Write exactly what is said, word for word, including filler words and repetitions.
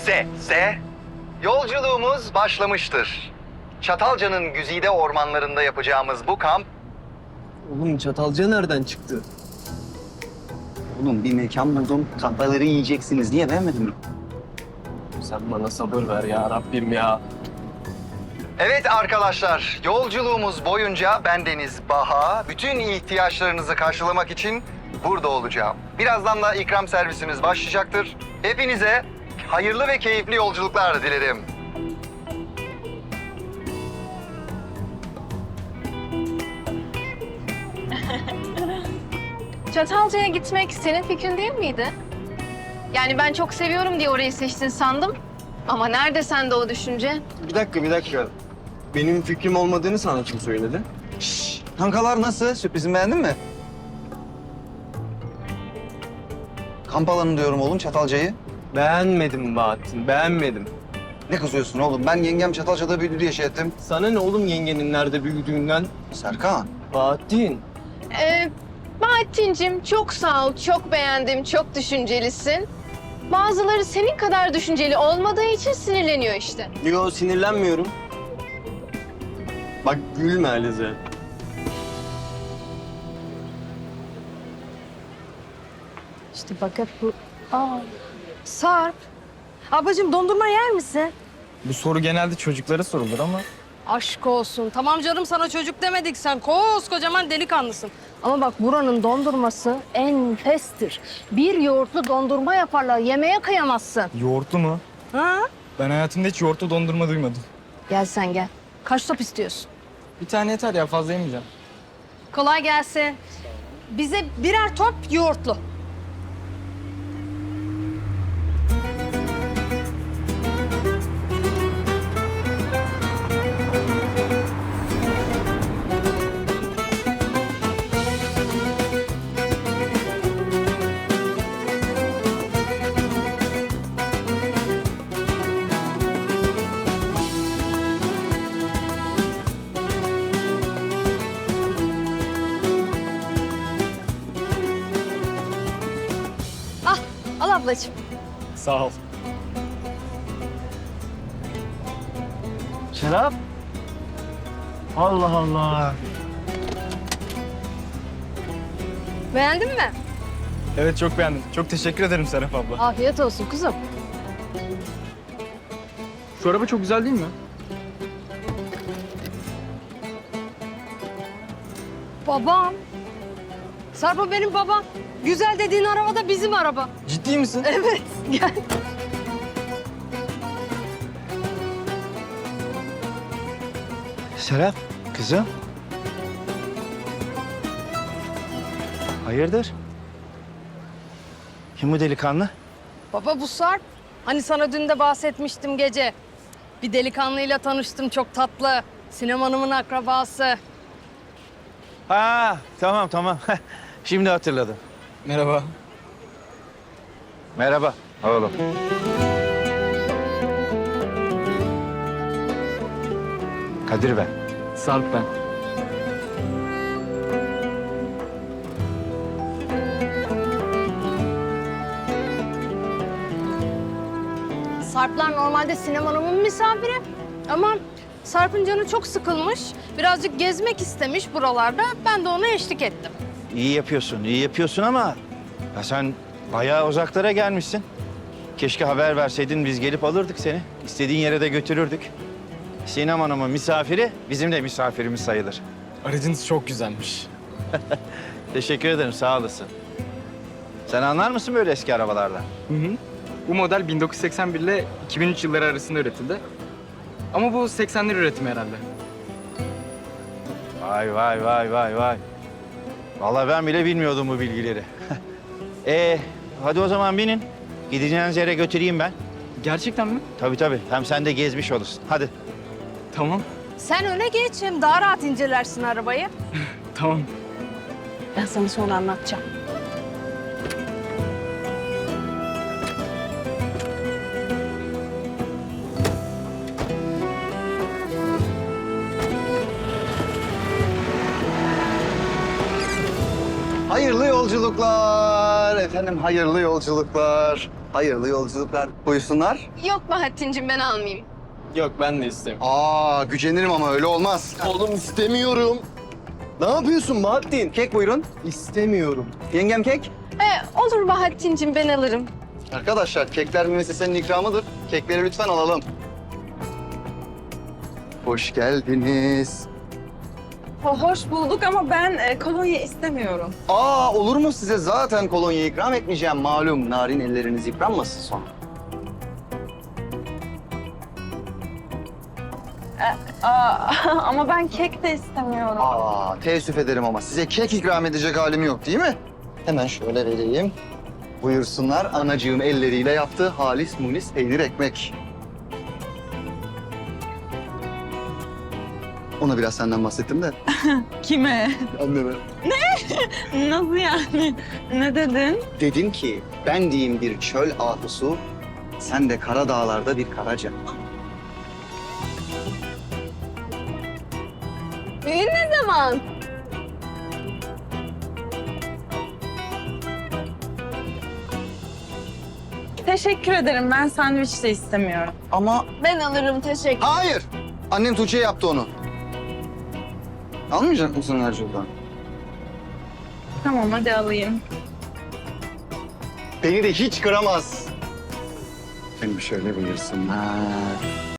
S, S. Yolculuğumuz başlamıştır. Çatalca'nın güzide ormanlarında yapacağımız bu kamp... Oğlum Çatalca nereden çıktı? Oğlum bir mekan buldum. Kahveleri yiyeceksiniz diye beğenmedin mi? Sen bana sabır ver ya Rabbim ya. Evet arkadaşlar, yolculuğumuz boyunca bendeniz Baha, bütün ihtiyaçlarınızı karşılamak için burada olacağım. Birazdan da ikram servisimiz başlayacaktır. Hepinize hayırlı ve keyifli yolculuklar dilerim. Çatalca'ya gitmek senin fikrin değil miydi? Yani ben çok seviyorum diye orayı seçtin sandım. Ama nerede sende o düşünce? Bir dakika, bir dakika. Benim fikrim olmadığını sana kim söyledi? Şşş! Kankalar nasıl? Sürprizimi beğendin mi? Kamp alanı diyorum oğlum Çatalca'yı. Beğenmedim Bahattin, beğenmedim. Ne kızıyorsun oğlum? Ben yengem Çatalca'da büyüdü diye şey ettim. Sana ne oğlum yengenin nerede büyüdüğünden? Serkan. Bahattin. Ee, Bahattin'cim çok sağ ol, çok beğendim, çok düşüncelisin. Bazıları senin kadar düşünceli olmadığı için sinirleniyor işte. Yo, sinirlenmiyorum. Bak gülme Alize. İşte bak hep bu... Aa, Sarp. Ablacığım dondurma yer misin? Bu soru genelde çocuklara sorulur ama Aşk olsun. Tamam canım sana çocuk demedik. Sen koskocaman delikanlısın. Ama bak buranın dondurması enfestir. Bir yoğurtlu dondurma yaparlar. Yemeğe kıyamazsın. yoğurtlu mu? Ha? Ben hayatımda hiç yoğurtlu dondurma duymadım. Gel sen gel. Kaç top istiyorsun? Bir tane yeter ya, fazla yemeyeceğim. Kolay gelsin. Bize birer top yoğurtlu. Ah, al ablacığım. Sağ ol. Şarap? Allah Allah. Beğendin mi? Evet, çok beğendim. Çok teşekkür ederim Serap abla. Afiyet olsun kuzum. Şu araba çok güzel değil mi? Babam. Sarp o benim babam. Güzel dediğin araba da bizim araba. Ciddi misin? Evet, gel. Serap, kızım. Hayırdır? Kim bu delikanlı? Baba bu Sarp. Hani sana dün de bahsetmiştim gece. Bir delikanlıyla tanıştım çok tatlı. Sinem Hanım'ın akrabası. Ha tamam tamam. Şimdi hatırladım. Merhaba. Merhaba oğlum. Kadir ben. Sarp ben. Sarplar normalde Sinem Hanım'ın misafiri. Ama Sarp'ın canı çok sıkılmış. Birazcık gezmek istemiş buralarda. Ben de ona eşlik ettim. İyi yapıyorsun, iyi yapıyorsun ama ya sen bayağı uzaklara gelmişsin. Keşke haber verseydin, biz gelip alırdık seni. İstediğin yere de götürürdük. Sinem Hanım'ın misafiri bizim de misafirimiz sayılır. Aracınız çok güzelmiş. Teşekkür ederim, sağ olasın. Sen anlar mısın böyle eski arabalardan? Hı hı. Bu model bin dokuz yüz seksen bir ile iki bin üç yılları arasında üretildi. Ama bu seksenler üretimi herhalde. Vay vay vay vay vay. Vallahi ben bile bilmiyordum bu bilgileri. Ee, hadi o zaman binin. Gideceğiniz yere götüreyim ben. Gerçekten mi? Tabii tabii. Hem sen de gezmiş olursun. Hadi. Tamam. Sen öne geç hem daha rahat incelersin arabayı. Tamam. Ben sana sonra anlatacağım. Hayırlı yolculuklar. efendim, hayırlı yolculuklar. Hayırlı yolculuklar. Buyursunlar. Yok Bahattin'cim ben almayayım. Yok ben de istemiyorum. Aa, gücenirim ama öyle olmaz. Oğlum istemiyorum. Ne yapıyorsun Bahattin? Kek buyurun. İstemiyorum. Yengem kek. E, olur Bahattin'cim ben alırım. Arkadaşlar, kekler müessesenin ikramıdır. Kekleri lütfen alalım. Hoş geldiniz. Hoş bulduk ama ben e, kolonya istemiyorum. Aa, olur mu, size zaten kolonya ikram etmeyeceğim. Malum, narin elleriniz yıpranmasın sonra. Aa, ama ben kek de istemiyorum. Aa, teessüf ederim ama size kek ikram edecek halim yok değil mi? Hemen şöyle vereyim. Buyursunlar, anacığım elleriyle yaptığı halis munis peynir ekmek. Ona biraz senden bahsettim de. Kime? Anneme. Nasıl yani? Ne dedin? Dedim ki, ben diyeyim bir çöl ahusu, sen de kara dağlarda bir karaca. Düğün ne zaman? Teşekkür ederim. Ben sandviç de istemiyorum. Ama Ben alırım teşekkür. hayır! Annem Tuğçe yaptı onu. Almayacak mısın Ercü'den? Tamam hadi alayım. Beni de hiç kıramaz. Beni şöyle buyursunlar.